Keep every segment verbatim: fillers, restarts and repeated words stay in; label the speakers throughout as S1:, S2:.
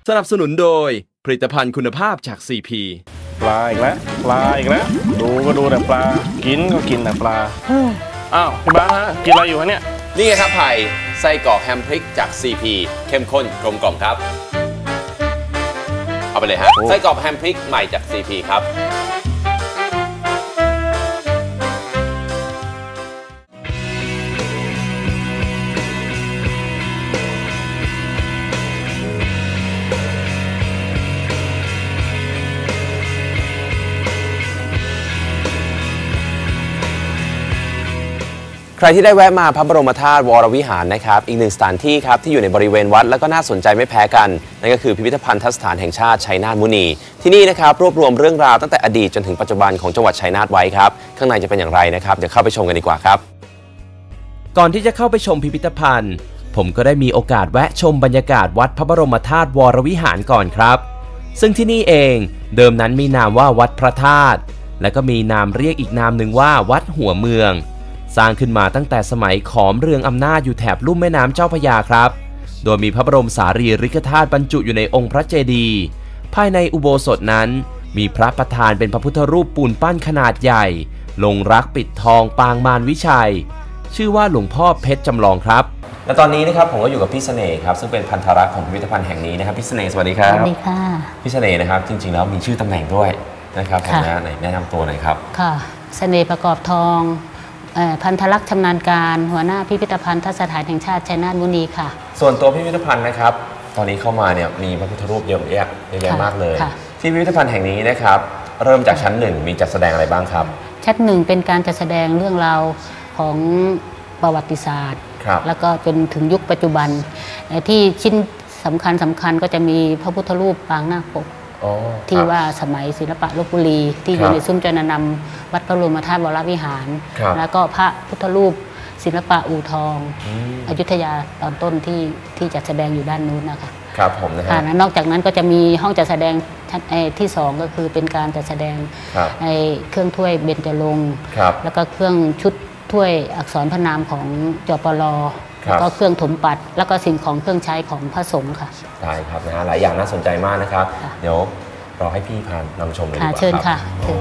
S1: สนับสนุนโดยผลิตภัณฑ์คุณภาพจาก ซี พี
S2: ปลาอีกแล้วปลาอีกแล้วดูก็ดูแต่ปลากินก็กินแต่ปลาอ้าวพี่บ้านฮะกินอะไรอยู่ฮะเนี่ย
S3: นี่ไงครับไผ่ไส้กรอกแฮมพริกจาก ซี พี เข้มข้นกลมกล่อมครับเอาไปเลยฮะไส้กรอกแฮมพริกใหม่จาก ซี พี ครับ
S4: ใครที่ได้แวะมาพระบรมธาตุวรวิหารนะครับอีกหนึ่งสถานที่ครับที่อยู่ในบริเวณวัดแล้วก็น่าสนใจไม่แพ้กันนั่นก็คือพิพิธภัณฑสถานแห่งชาติชัยนาทมุนีที่นี่นะครับรวบรวมเรื่องราวตั้งแต่อดีตจนถึงปัจจุบันของจังหวัดชัยนาทไว้ครับข้างในจะเป็นอย่างไรนะครับเดี๋ยวเข้าไปชมกันดีกว่าครับ
S1: ก่อนที่จะเข้าไปชมพิพิธภัณฑ์ผมก็ได้มีโอกาสแวะชมบรรยากาศวัดพระบรมธาตุวรวิหารก่อนครับซึ่งที่นี่เองเดิมนั้นมีนามว่าวัดพระธาตุและก็มีนามเรียกอีกนามหนึ่งว่าวัดหัวเมืองสร้างขึ้นมาตั้งแต่สมัยขอมเรืองอำนาจอยู่แถบลุ่มแม่น้ำเจ้าพระยาครับโดยมีพระบรมสารีริกธาตุบรรจุอยู่ในองค์พระเจดีย์ภายในอุโบสถนั้นมีพระประธานเป็นพระพุทธรูปปูนปั้นขนาดใหญ่ลงรักปิดทองปางมารวิชัยชื่อว่าหลวงพ่อเพชรจำลองครับ
S4: และตอนนี้นะครับผมก็อยู่กับพี่เสน่ห์ครับซึ่งเป็นพันธรักษ์ของพิพิธภัณฑ์แห่งนี้นะครับพี่เสน่ห์สวัสดีครับ
S5: สวัสดีค่ะ
S4: พี่เสน่ห์นะครับจริงๆแล้วมีชื่อตำแหน่งด้วยนะครับผมนะไหนแนะนำตัวหน่อยครับ
S5: ค่ะเสน่ห์ประกอบทองพันธรักษ์ชำนาญการหัวหน้าพิพิธภัณฑสถานแห่งชาติชัยนาทมุนีค่ะ
S4: ส่วนตัวพิพิธภัณฑ์นะครับตอนนี้เข้ามาเนี่ยมีพระพุทธรูปเยอะแยะเยอะแยะมากเลยที่พิพิธภัณฑ์แห่งนี้นะครับเริ่มจากชั้นหนึ่งมีจัดแสดงอะไรบ้างครับ
S5: ชั้นหนึ่งเป็นการจัดแสดงเรื่องราวของประวัติศาสตร์แล้วก็จนถึงยุคปัจจุบันที่ชิ้นสำคัญสำคัญก็จะมีพระพุทธรูปปางนาคปกที่ว่าสมัยศิลปะลพบุรีที่อยู่ในซุ้มจรณนำวัดพระบรมธาตุวรวิหารแล้วก็พระพุทธรูปศิลปะอู่ทองอยุธยาตอนต้นที่ที่จัดแสดงอยู่ด้านนู้นนะคะ
S4: ครับผมนะฮะ
S5: นอกจากนั้นก็จะมีห้องจัดแสดงที่สองก็คือเป็นการจัดแสดงเครื่องถ้วยเบญจรงค์แล้วก็เครื่องชุดถ้วยอักษรพระนามของจปล.แล้วก็เครื่องถมปัดแล้วก็สิ่งของเครื่องใช้ของพระสงฆ์ค่ะ
S4: ได้ครับนะฮะหลายอย่างน่าสนใจมากนะครับเดี๋ยวรอให้พี่พานำชมเลยดีกว่าครับ
S5: เชิญค่ะ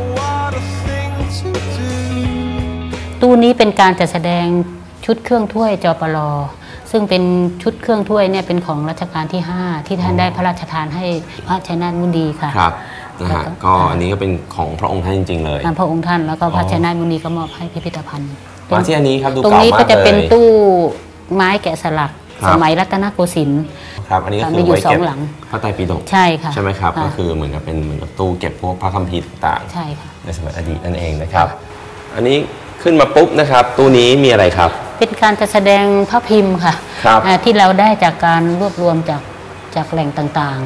S5: ตู้นี้เป็นการจัดแสดงชุดเครื่องถ้วยจปล.ซึ่งเป็นชุดเครื่องถ้วยเนี่ยเป็นของรัชกาลที่ห้าที่ท่านได้พระราชทานให้พระชัยนาทมุนีค่ะ
S4: ครับนะฮะก็อันนี้ก็เป็นของพระองค์ท่านจริงๆเลย
S5: พระองค์ท่านแล้วก็พระชัยนาทมุนีก็มอบให้พิพิธภัณฑ์
S4: มาที่อันนี้ครับดู
S5: เก่ามากเลยตรงนี้ก็จะเป็นตู้ไม้แกะสลักสมัยรัตนโกสินทร์
S4: ครับอันนี้ก็คือไว้เก็บพระไตรปิฎก
S5: ใช่ค่ะ
S4: ใช่ไหมครับก็คือเหมือนกับเป็นเหมือนกับตู้เก็บพวกพระคัมภีร์ต่าง
S5: ๆใช่ค่ะ
S4: ในสมัยอดีตนั่นเองนะครับอันนี้ขึ้นมาปุ๊บนะครับตู้นี้มีอะไรครับ
S5: เป็นการจัดแสดงพระพิมพ์ค่ะที่เราได้จากการรวบรวมจากจากแหล่งต่าง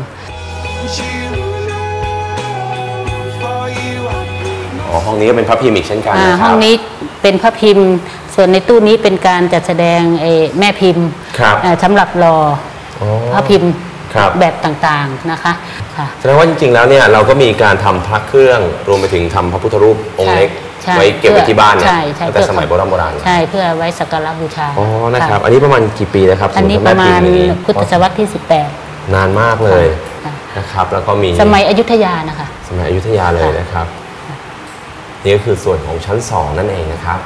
S4: ๆอ๋อห้องนี้ก็เป็นพระพิมพ์อีกเช่นกันนะครับ
S5: ห้องนี้เป็นพระพิมพ์ส่วนในตู้นี้เป็นการจัดแสดงแม่พิมพ์สำหรับรอพระพิมพ์แบบต่างๆนะคะ
S4: แสดงว่าจริงๆแล้วเนี่ยเราก็มีการทำพระเครื่องรวมไปถึงทำพระพุทธรูปองค์เล็กไว้เก็บไว้ที่บ้านเนี่ยตั้งแต่สมัยโบราณโบราณ
S5: ใช่เพื่อไว้สักการะบูชา
S4: อ๋อนะครับอันนี้ประมาณกี่ปีนะครับ
S5: อันนี้ประมาณพุทธศตวรรษที่สิบแปด
S4: นานมากเลยนะครับแล้วก็มี
S5: สมัยอยุธยานะคะ
S4: สมัยอยุธยาเลยนะครับนี่ก็คือส่วนของชั้นสองนั่นเองนะครับ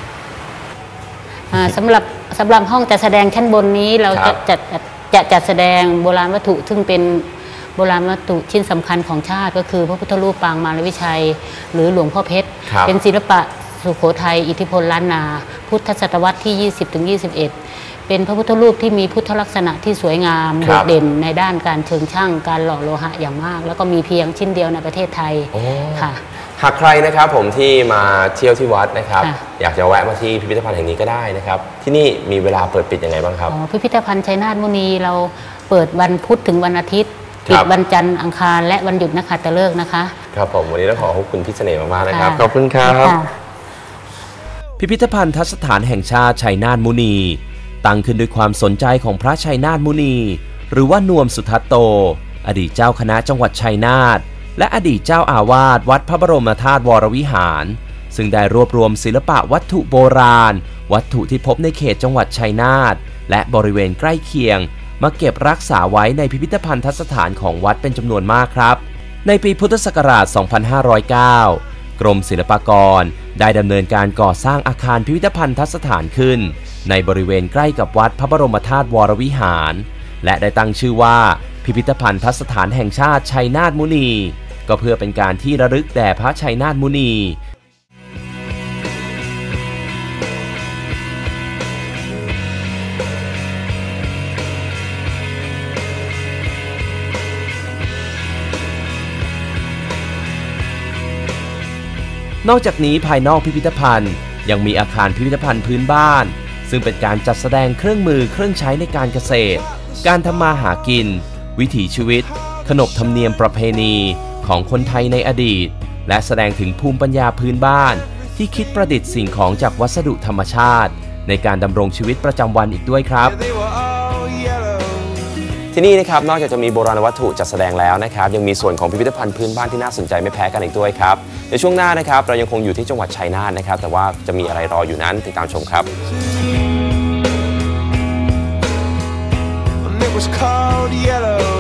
S5: สำหรับสำหรับห้องจัดแสดงชั้นบนนี้เราจะจัดจะจัดแสดงโบราณวัตถุซึ่งเป็นโบราณวัตถุชิ้นสำคัญของชาติก็คือพระพุทธรูปปางมารวิชัยหรือหลวงพ่อเพชรเป็นศิลปะสุโขทัยอิทธิพลล้านนาพุทธศตวรรษที่ ยี่สิบถึงยี่สิบเอ็ด เป็นพระพุทธรูปที่มีพุทธลักษณะที่สวยงามโดดเด่นในด้านการเชิงช่างการหล่อโลหะอย่างมากแล้วก็มีเพียงชิ้นเดียวในประเทศไทยค่ะ
S4: หากใครนะครับผมที่มาเที่ยวที่วัดนะครับอยากจะแวะมาที่พิพิธภัณฑ์แห่งนี้ก็ได้นะครับที่นี่มีเวลาเปิดปิดยังไงบ้างครับ
S5: พิพิธภัณฑ์ชัยนาทมุนีเราเปิดวันพุธถึงวันอาทิตย์ปิดวันจันทร์อังคารและวันหยุดนักขัตฤกษ์นะคะ
S4: ครับผมวันนี้ต้องขอขอบคุณพี่เสน่ห์มากๆนะครับขอบคุณครับ
S1: พิพิธภัณฑสถานแห่งชาติชัยนาทมุนีตั้งขึ้นด้วยความสนใจของพระชัยนาทมุนีหรือว่านวมสุทัตโตอดีตเจ้าคณะจังหวัดชัยนาทและอดีตเจ้าอาวาสวัดพระบรมธาตุวรวิหารซึ่งได้รวบรวมศิลปะวัตถุโบราณวัตถุที่พบในเขตจังหวัดชัยนาทและบริเวณใกล้เคียงมาเก็บรักษาไว้ในพิพิธภัณฑสถานของวัดเป็นจำนวนมากครับในปีพุทธศักราช สองพันห้าร้อยเก้า กรมศิลปากรได้ดำเนินการก่อสร้างอาคารพิพิธภัณฑสถานขึ้นในบริเวณใกล้กับวัดพระบรมธาตุวรวิหารและได้ตั้งชื่อว่าพิพิธภัณฑสถานแห่งชาติชัยนาทมุนีก็เพื่อเป็นการที่ระลึกแด่พระชัยนาทมุนีนอกจากนี้ภายนอกพิพิธภัณฑ์ยังมีอาคารพิพิธภัณฑ์พื้นบ้านซึ่งเป็นการจัดแสดงเครื่องมือเครื่องใช้ในการเกษตรการทำมาหากินวิถีชีวิตขนบธรรมเนียมประเพณีของคนไทยในอดีตและแสดงถึงภูมิปัญญาพื้นบ้านที่คิดประดิษฐ์สิ่งของจากวัสดุธรรมชาติในการดำรงชีวิตประจำวันอีกด้วยครับ
S4: ที่นี่นะครับนอกจากจะมีโบราณวัตถุจัดแสดงแล้วนะครับยังมีส่วนของพิพิธภัณฑ์พื้นบ้านที่น่าสนใจไม่แพ้กันอีกด้วยครับในช่วงหน้านะครับเรายังคงอยู่ที่จังหวัดชัยนาทนะครับแต่ว่าจะมีอะไรรออยู่นั้นติดตามชมครับ
S6: It was called yellow